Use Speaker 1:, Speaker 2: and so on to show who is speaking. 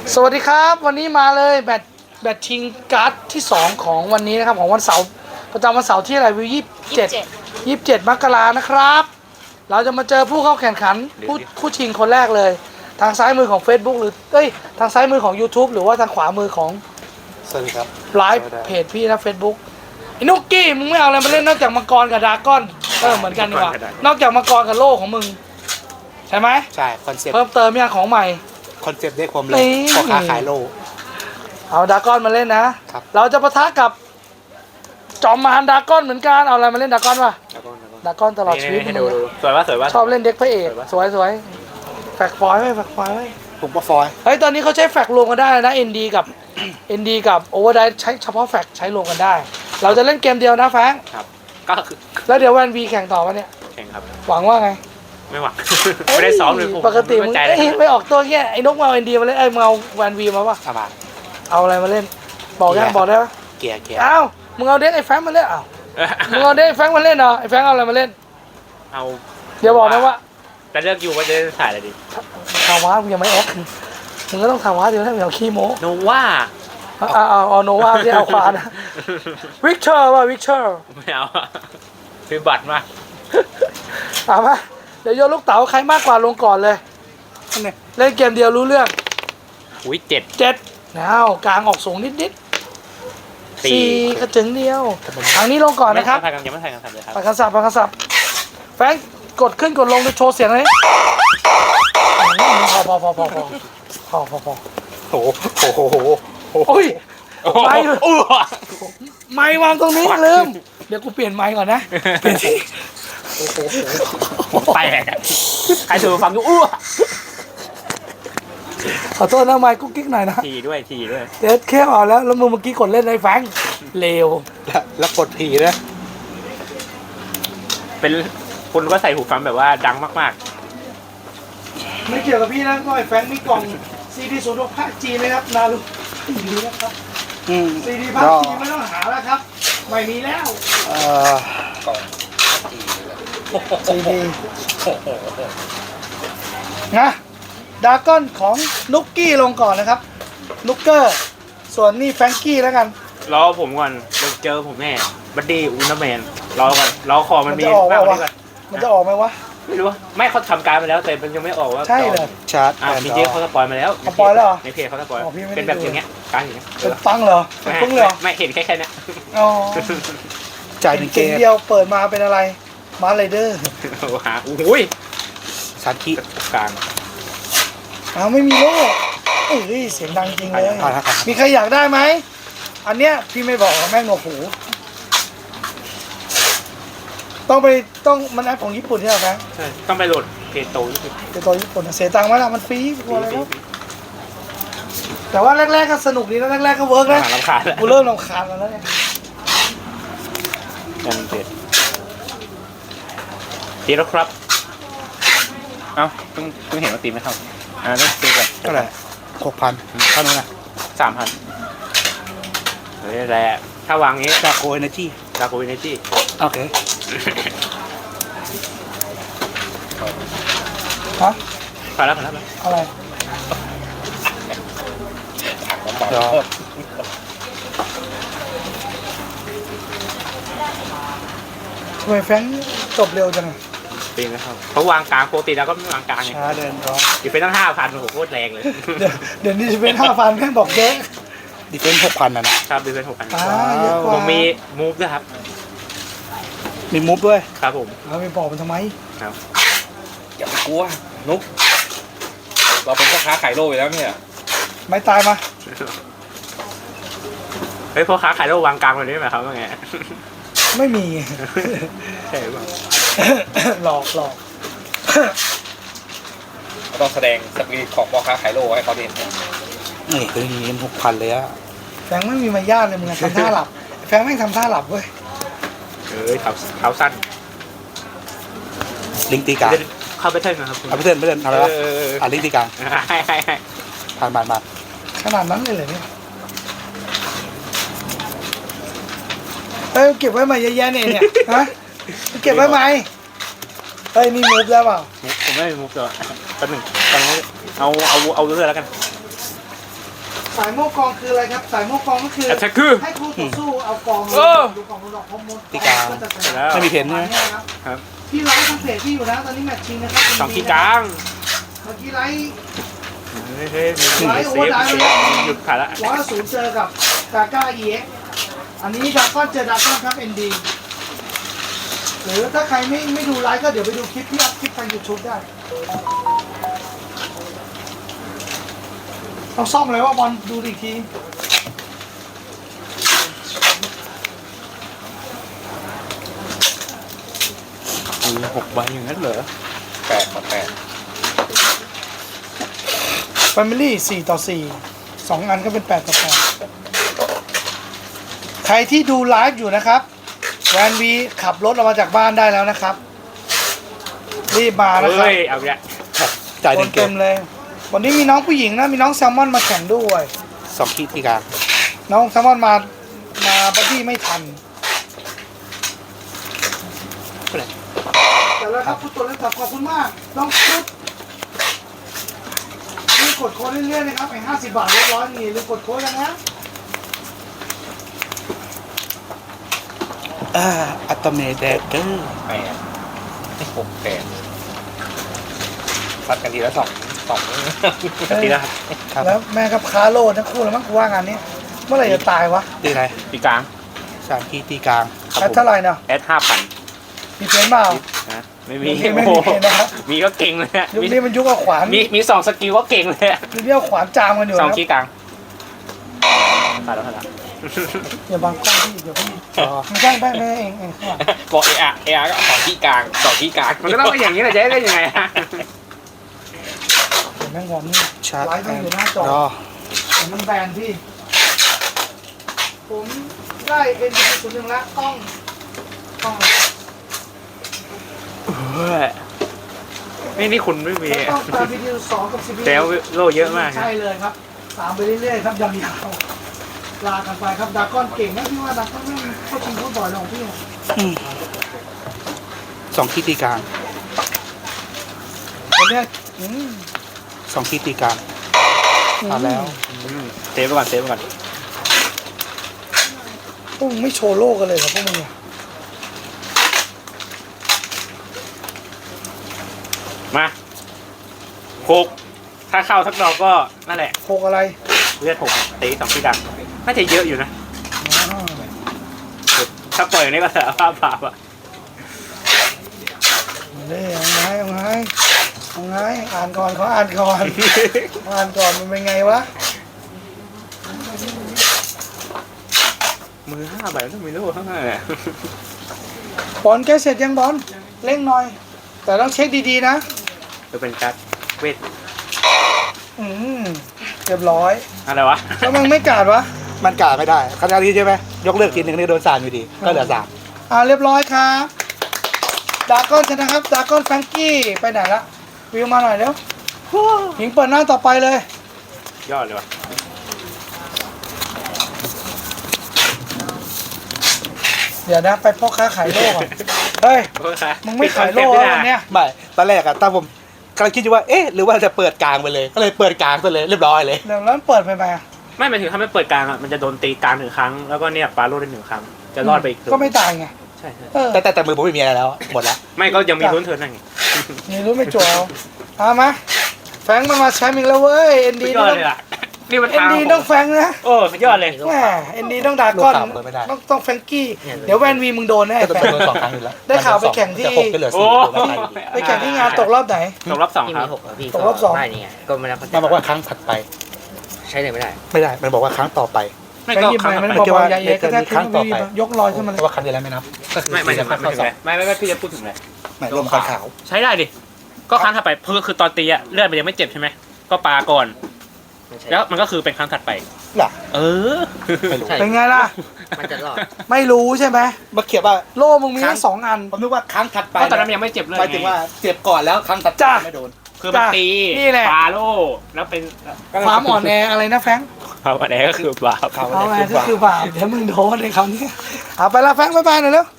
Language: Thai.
Speaker 1: สวัสดีครับวันนี้มาเลยแบตชิงการ์ดที่2ของวันนี้นะครับของวันเสาร์ประจำวันเสาร์ที่อะไรวิว27 มกรานะครับ เราจะมาเจอผู้เข้าแข่งขันผู้ชิงคนแรกเลย ทางซ้ายมือของ Facebook หรือทางซ้ายมือของ YouTube หรือว่าทางขวามือของ
Speaker 2: สวัสดีครับ
Speaker 1: ไลฟ์เพจพี่นะ Facebook ไอ้นุกกี้มึงไม่เอาอะไรมาเล่นนอกจากมังกรกับดราก้อนเหมือนกันดีกว่านอกจากมังกรกับโล่ของมึงใช่ไหม
Speaker 2: ใช่คอนเซ็ปต์
Speaker 1: เพิ่มเติมเนี่ยของใหม่
Speaker 2: คอนเซ็ปต์ได้ความเลย
Speaker 1: นี่
Speaker 2: พ่อค้าขายโล
Speaker 1: เอาดราก้อนมาเล่นนะครับ เราจะปะทะกับจอมมารดราก้อนเหมือนกันเอาอะไรมาเล่นดราก้อนวะดราก้อนตลอดชีวิต
Speaker 3: ให้ดูสวยป่ะสวยป่ะ
Speaker 1: ชอบเล่นเด็กพระเอกสวยแฟกฟอยไว้แฟกฟอยไว้
Speaker 2: ผมก็ฟอย
Speaker 1: เฮ้ยตอนนี้เขาใช้แฟกรวมกันได้นะ ND กับ ND กับโอเวอร์ไดใช้เฉพาะแฟกใช้รวมกันได้ เราจะเล่นเกมเดียวนะแฟง
Speaker 3: ครับก็คือ
Speaker 1: แล้วเดี๋ยววันวีแข่งต่อวะเนี่ย
Speaker 3: แข่งครับ
Speaker 1: หวังว่าไง
Speaker 3: ไม่หวัง ไม่ได้ซ้อมเลยผม
Speaker 1: ปกติมึง
Speaker 3: ใจ
Speaker 1: ไม่ออกตัวแค่ไอ้นกมาเอา ND มาเล่นมึงเอาวันวีมาปะ
Speaker 2: สบาย
Speaker 1: เอาอะไรมาเล่นบอกยังบอกได้ปะ
Speaker 2: เกียร์
Speaker 1: อ้าวมึงเอาเด็กไอ้แฟงมาเล่นอ้าวมึงเอาเด็กไอ้แฟงมาเล่นเหรอไอ้แฟงเอาอะไรมาเล่น
Speaker 3: เอา
Speaker 1: เดี๋ยวบอกนะว่า
Speaker 3: แต่เลือกอยู่ว่าจะถ่ายอะไรดี
Speaker 1: ทาวามึงยังไม่แอคมึงก็ต้องทาวาเดี๋ยวถ้ามึงเอาขี้โม้
Speaker 3: โนว่า
Speaker 1: เอาโนวาที่เอาควานะวิกเตอร์ว่ะวิกเตอร์
Speaker 3: ไม่เอาคือบัตรมา
Speaker 1: ถามว่าเดี๋ยวโยนลูกเต๋าใครมากกว่าลงก่อนเลยเล่นเกมเดียวรู้เรื่อง
Speaker 3: อุ้ย7
Speaker 1: 7อ้าวกลางออกสูงนิด4กระจึงเดียวทางนี้ลงก่อนนะครับ
Speaker 3: ไม่ถ่ายกันยังไม่ถ่ายกันเลยครับ
Speaker 1: ปากกระสับแฟงกดขึ้นกดลงโชว์เสียงเลยพอ
Speaker 2: โอ้โห
Speaker 1: โอ้ย
Speaker 3: ไป
Speaker 1: ไม้วางตรงนี้ลืมเดี๋ยวกูเปลี่ยนไม้ก่อนนะเปลี่ยนที่
Speaker 3: ไปใครถือฟังอยู่อ้ว
Speaker 1: ขอโทษนะไม้กุ๊กกิ๊กหน่อยนะ
Speaker 3: ทีด้วย
Speaker 1: เดี๋ยวแค่เอาแล้วมึงเมื่อกี้กดเล่นในแฟงเลว
Speaker 2: แล้วกดผีนะ
Speaker 3: เป็นคุณก็ใส่หูฟังแบบว่าดังมาก
Speaker 1: ไม่เกี่ยวกับพี่นะก็ไอ้แฟงมีกล่องซีดีสูตรภาคจีนนะครับนารุดีนะครับซีดีภาคจีนไม่ต้องหาแล้วครับไม่มีแล้วซีดีนะดราก้อนของนุกกี้ลงก่อนนะครับนุกเกอร์ส่วนนี่แฟรงกี้แล้วกัน
Speaker 3: ๆรอผมก่อนเจอผมแน่บัดดี้อุลตร้าแมนรอก่อนรอคอมันมี
Speaker 1: จะออก
Speaker 3: มากก
Speaker 1: วะ
Speaker 3: ว่านี้ก่อน
Speaker 1: มันจะออกไหมวะ
Speaker 3: ไม่รู้ไม่เขาทำการมาแล้วแต่มันยังไม่ออกว่า
Speaker 1: ใช่เลย
Speaker 2: ชาร์จ
Speaker 3: จริงๆเขาสปอยมาแล้ว
Speaker 1: สปอยแล้วเหรอ
Speaker 3: ในเพจเขาสปอย
Speaker 1: อ๋อพี่ไม่ได้
Speaker 3: เป็นแบบอย่างเงี้ยการอย่างเงี้ย
Speaker 1: เป็นฟังเหรอเป็นฟึ้งเลยเหรอ
Speaker 3: ไม่เห็นแค่เนี้ย
Speaker 1: อ๋อ
Speaker 2: จ่ายหนึ่งเก
Speaker 1: เกม
Speaker 2: ม
Speaker 1: เดียวเปิดมาเป็นอะไรมาไรเดอร์
Speaker 3: หาอุ้ย
Speaker 2: สารคี
Speaker 3: กลาง
Speaker 1: อ้าวไม่มีโล่เอ้ยเสียงดังจริงเลย
Speaker 2: เอาละครับ
Speaker 1: มีใครอยากได้ไหมอันเนี้ยพี่ไม่บอกแม่งหนวกหูต้องมันแอปของญี่ปุ่นใช่ไหมครับ
Speaker 3: ใช่ต้องไปโหลดเพจโตนี่คือ
Speaker 1: เป็นตัวญี่ปุ่นอะเสียตังค์ไหมล่ะมันฟรีกลัวอะไรครับแต่ว่าแรกๆก็สนุกดีนะแรกๆก็เวิร์กนะ
Speaker 3: หาลำคาญแล้ว
Speaker 1: กูเริ่มรำคาญแล้วเนี่ย
Speaker 3: ยังเพจตีแล้วครับเอ้าเพิ่งเห็นว่าตีไม่เข้าต้องตีก่อน
Speaker 2: เท่าไหร่6,000เท่านั้นนะ
Speaker 3: 3,000เฮ้ยแหละถ้าวางงี้
Speaker 2: จากโคเอเนจี
Speaker 3: ดาโกวินเนจี้
Speaker 2: โอเค
Speaker 1: ฮะ
Speaker 3: พอแล้ว
Speaker 1: อะไร
Speaker 2: เดี๋ยว
Speaker 1: ทำไมแฟรงค์จบเร็วจังอะ
Speaker 3: ตีไม่เข้าเขาวางกลางปกติแล้วก็ไม่วางกลางไง
Speaker 2: ช้าเดินรอ
Speaker 3: อยู่เป็นตั้ง5,000โอ้โหโคตรแรงเลย
Speaker 1: เดี๋ยวนี้จะเป็น5,000แม่งบอกเยอะ
Speaker 2: ดิเฟนซ์6,000นะครับ
Speaker 3: ดูเป็น6,000
Speaker 1: เยอะกว่า
Speaker 3: ผมมีมูฟด้วยครับ
Speaker 2: มีมูฟด้วย
Speaker 3: ครับผม
Speaker 1: เอาไปบอกมันทำไม
Speaker 3: ครับ
Speaker 4: อย่าไปกลัวนุกเราเป็นพ่อค้าขายโลอยู่แล้วเนี่ย
Speaker 1: ไม่ตายมา
Speaker 3: เฮ้ยพ่อค้าขายโลกวางกลางแบบนี้ไหมครับว่าไง
Speaker 1: ไม่มี
Speaker 3: ใช่หรือเปล่า
Speaker 1: หลอก
Speaker 4: เราต้องแสดงสปิริตของพ่อค้าขายโลให้เขาเห็น
Speaker 2: นี่คือเงิน6,000เลยอะ
Speaker 1: แฟรงค์ไม่มีมารยาทเลยมึงอะทำท่าหลับแฟรงค์แม่งทำท่าหลับเว้ย
Speaker 3: เอ้ยเท้าสั้น
Speaker 2: ลิงตีกลาง
Speaker 3: เข้าไปเทิร์นนะครับ
Speaker 2: เอาไปเทิร์นอะไรวะลิงตีกลาง
Speaker 3: ให้
Speaker 2: ผ่าน
Speaker 1: ขนาดนั้นเลยเหรอเนี่ยเฮ้ยเก็บไว้ใหม่เยอะแยะเนี่ยฮะเก็บไว้ไหมเฮ้ยนี่มูฟได้เปล่า
Speaker 3: ผมไม่มีมุกตัวแป๊บหนึ่งตอนนี้เอาเรื่อยแล้วกัน
Speaker 1: สายโม่กองคืออะไรครับ สายโม่กองก็คือ
Speaker 3: แอตแทคคือ
Speaker 1: ให้คู่ต่อสู้เอากองลง
Speaker 3: เออ
Speaker 1: ดูกองลงพอหมด
Speaker 2: ตีกลาง
Speaker 1: ก็จะเสร็จ
Speaker 3: แล้ว
Speaker 2: ไม่มีเพนใช่ไหม
Speaker 1: ครับ
Speaker 3: ครับ
Speaker 1: พี่ไลฟ์ทางเพจพี่อยู่นะตอนนี้แมตช์ชิงนะครับ
Speaker 3: สองที่กลาง
Speaker 1: เมื่อกี้ไลฟ์
Speaker 3: เฮ้ยมีเซฟหยุดขาดละ
Speaker 1: 100 เจอกับดาก้า EX อันนี้ดาก้อนเจอดาก้อนครับ ND หรือถ้าใครไม่ดูไลฟ์ก็เดี๋ยวไปดูคลิปที่อัพคลิปทาง YouTube ได้ต้องซ่อมเลยว่าบอลดูอีกที
Speaker 3: มี6 ใบอย่างนั้นเหรอ
Speaker 4: 8 ต่อ
Speaker 1: Family 4 ต่อ 4 2 อันก็เป็น 8 ต่อ 8 ใครที่ดูไลฟ์อยู่นะครับแวนวีขับรถออกมาจากบ้านได้แล้วนะครับ รีบมานะครับ
Speaker 3: เฮ้ย เอาอีก
Speaker 2: ครับจ่าย
Speaker 1: ค
Speaker 2: หนึ่
Speaker 1: น
Speaker 2: งเก
Speaker 1: เต็
Speaker 2: ม
Speaker 1: มเลย วันนี้มีน้องผู้หญิงนะ มีน้องแซลมอนมาแข่งด้วย
Speaker 2: 2 ที่ที่กลาง
Speaker 1: น้องแซลมอนมาบัดดี้ไม่ทันแต่แล้วครับคุณตัวเล่นตับขอบคุณมาก น้องชุดรีบกดโค้ดเรื่อยๆนะครับไอ้50 บาทเรียบร้อยนี่รีบกดโค้ดกันนะ
Speaker 2: อัตเมเดเกอร์
Speaker 4: 8 6 8ซัดกันทีละ2
Speaker 3: ทีละครับ
Speaker 2: ครับ
Speaker 1: แล้วแม่กับคาโลทั้งคู่แล้วมั้งกูว่างานนี้ เมื่อไหร่จะตายวะ
Speaker 2: ตีอะไร
Speaker 3: ที่กลาง
Speaker 2: 3 ที่ที่กลางครับ
Speaker 1: แอด
Speaker 2: ผม
Speaker 1: เท่าไหร่เนาะ
Speaker 3: แอด 5,000
Speaker 1: มีเพนเปล่า
Speaker 3: นะไม่มี
Speaker 1: ไม่มีนะครับ
Speaker 3: มีก็เก่งเลยอะ
Speaker 1: ยุคนี้มันยุคเอาขวาน
Speaker 3: มี2 สกิลก็เก่งเลยอะ
Speaker 1: ยุคนี้เอาขวานจามกันอยู่
Speaker 3: ส
Speaker 1: นะ
Speaker 3: อง
Speaker 1: ครับ
Speaker 3: ที่กลางขาดแล้วขาดแล้ว
Speaker 1: อย่าบังกล้องพี่เดี๋ยวพี่
Speaker 2: อ๋อ
Speaker 1: ไม่ใช่ไม่เองข้างหลัง
Speaker 3: บอกเออาก็2 ที่กลาง2 ที่กลางมันก็ต้องเป็นอย่างนี้แหละจะได้ยังไงฮะ
Speaker 1: เดี๋ยวแม่งงอมนี่
Speaker 2: ชาร์จ
Speaker 1: ไลฟ์มันอยู่หน้าจอ
Speaker 2: รอ
Speaker 1: เดี๋ยวมันแบนพี่ ผมได้เอ็นศูนย์หนึ่งแล้วกล้อง
Speaker 3: นี่คุณไม่มี
Speaker 1: ต้องตามวิดีโอ2กับ10
Speaker 3: แต่โลเยอะมาก
Speaker 1: ใช่เลยครับตามไปเรื่อยๆครับยาวๆลากันไปครับดากอนเก่งนะพี่ว่าดากอนไม่เข้าชิงพูดบ่อยหรอกพี่
Speaker 2: 2 ที่ที่กลาง
Speaker 1: วันเนี้ย
Speaker 2: 2 ที่ที่กลางเอาแล้ว
Speaker 3: เซฟไปก่อนเซฟไปก่อน
Speaker 1: พวกมึงไม่โชว์โลกกันเลยเหรอพวกมึงเนี่ย
Speaker 3: มา6ถ้าเข้าทักดอกก็นั่นแหละ
Speaker 1: โคกอะไร
Speaker 3: เลือด6ตี2 ที่กลางน่าจะเยอะอยู่นะ
Speaker 1: อ๋อ
Speaker 3: ถ้าปล่อยอย่างนี้ก็สารภาพบาปอ่ะ
Speaker 1: เอาไงอ่านก่อนเขาอ่านก่อนอ่านก่อนมันเป็นไงวะ
Speaker 3: มือ5 ใบต้องมีลูกข้างหน้าเนี่ย
Speaker 1: บอลแกเสร็จยังบอลเร่งหน่อย แต่ต้องเช็คดีๆนะ
Speaker 3: จะเป็นการ์ดเวท
Speaker 1: เรียบร้อย
Speaker 3: อะไรวะ
Speaker 1: แล้วมึงไม่กาดวะ
Speaker 2: มันกาดไม่ได้คณะนี้ใช่ไหมยกเลิกทีหนึ่งนี่โดน3อยู่ดี ก็เหลือ
Speaker 1: เรียบร้อยครับดากอนชนะครับดากอนแฟรงกี้ไปไหนละวิวมาหน่อยเร็วหญิงเปิดหน้าต่อไปเลย
Speaker 3: ยอดเลยวะ
Speaker 1: เดี๋ยวนะไปพ่อค้าขายโลกก่อนเฮ้ย มึงไม่ขายโลกแล้ววันเนี้ย
Speaker 2: 3ไม่ตอนแรกอะตอนผมกำลังคิดอยู่ว่าเอ๊ะหรือว่าจะเปิดกลางไปเลย ก็เลยเปิดกลางไปเลยเรียบร้อยเลย
Speaker 1: เดี๋ยวแล้วเปิดไปไหมอะ
Speaker 3: ไม่หมายถึงถ้าไม่เปิดกลางอ่ะมันจะโดนตีกลาง1 ครั้งแล้วก็เนี่ยปาโลดได้1 ครั้งจะรอดไปอีก
Speaker 1: ก็ไม่ตายไง
Speaker 3: ใช่
Speaker 1: เออ
Speaker 2: แต่มือผมไม่มีอะไรแล้วหมดแล้ว
Speaker 3: ไม่ก็ยังมีลุ้นเทิร์นนั่นไง
Speaker 1: นี่รู้ไม่จั่วเอามาแฟรงค์มันมาแชมป์อีกแล้วเว้ยเอ็น
Speaker 3: สุ
Speaker 1: ดี
Speaker 3: ดยอดเลยอ่ะนี่มัน
Speaker 1: เอ็น
Speaker 3: ทาง
Speaker 1: ดีต้องแฟรงค์นะ
Speaker 3: โอ้สุดยอดเลย
Speaker 1: แหมเอ็นดีต้องดากอน
Speaker 2: ลูกข่าวเปิดไม่ได้
Speaker 1: ต้องแฟรงกี้เดี๋ยวแวนวีมึงโดนแน่
Speaker 2: ก็
Speaker 1: แฟรง
Speaker 2: โดน
Speaker 1: ค์
Speaker 2: 2 ครั้งอยู่แล้ว
Speaker 1: ได้ข่าวไปแข่งที่
Speaker 2: จะ6ก็เหลือ
Speaker 3: โอ้
Speaker 2: 4ไม่ได้อยู่ดี
Speaker 1: ไปแข่งที่งานตกรอบไหน
Speaker 3: ตกรอบ2
Speaker 5: ที่
Speaker 3: ครั
Speaker 5: มี
Speaker 3: บ
Speaker 5: 6อะพี่
Speaker 1: ตกรอบสอง
Speaker 5: ได้นี่ไงก็ไม่ได้พัฒ
Speaker 2: มันบอกว่าครั้งถัดไป
Speaker 5: ใช้เลยไม่ได้
Speaker 2: ไม่ได้ มันบอกว่าครั้งต่อไป
Speaker 3: ไม่
Speaker 1: แฟรง
Speaker 3: ก็
Speaker 1: ค์ยิบ
Speaker 3: ครั้ง
Speaker 1: ไปมัน
Speaker 3: ต่อไป
Speaker 1: บอกว่าใหญ่ๆก็แทบ
Speaker 2: ครั้งต่อไป
Speaker 1: ยกลอยขึ้นมา
Speaker 2: เพ
Speaker 1: เลย
Speaker 2: ราะว่าครั้งที่แล้วไม่นับก็คือ
Speaker 3: ไม่
Speaker 2: จะ
Speaker 3: ไม่
Speaker 2: เข้า
Speaker 3: ถึง
Speaker 2: สอ
Speaker 3: เล
Speaker 2: ง
Speaker 3: ยไม่พูดถึงเลย
Speaker 2: ไม่รวมคอนขาว
Speaker 3: ใช้ได้ดิก็ครั้งถัดไปคือตอนตีอะเลือดมันยังไม่เจ็บใช่ไหมก็ปาก่อน
Speaker 5: ไม่ใช่
Speaker 3: แล้วมันก็คือเป็นครั้งถัดไป
Speaker 2: หรอ
Speaker 3: เออ
Speaker 2: ไม่รู้
Speaker 5: ใช่
Speaker 1: เป็นไงล่ะ
Speaker 5: มันจะรอด
Speaker 1: ไม่รู้ใช่ไหม
Speaker 2: มาเขียนว่า
Speaker 1: โล่มึงมีทั้ง2 อัน
Speaker 2: ผมนึกว่าครั้งถัดไป
Speaker 3: เพราะตอนนั้นมันยังไม่เจ็บเลย
Speaker 2: หมายถึงว่าเจ็บก่อนแล้วครั้งถัดไป
Speaker 1: จ้ะ
Speaker 2: ไม่โดน
Speaker 3: คือมันตี
Speaker 1: นี่แหละ
Speaker 3: ปาโลแล้วเป็น
Speaker 1: ความอ่อนแออะไรนะแฟรงค์
Speaker 3: ความอ่อนแอก็คือบาป
Speaker 2: เขา
Speaker 1: เอา
Speaker 2: อะไร
Speaker 1: ไง
Speaker 2: คือ
Speaker 1: ก็
Speaker 2: ว่า
Speaker 1: คือบาปเดี๋ยวมึงโดนในคำนี้เอาไปละแฟรงค์บ๊ายบายหน่อยเร็ว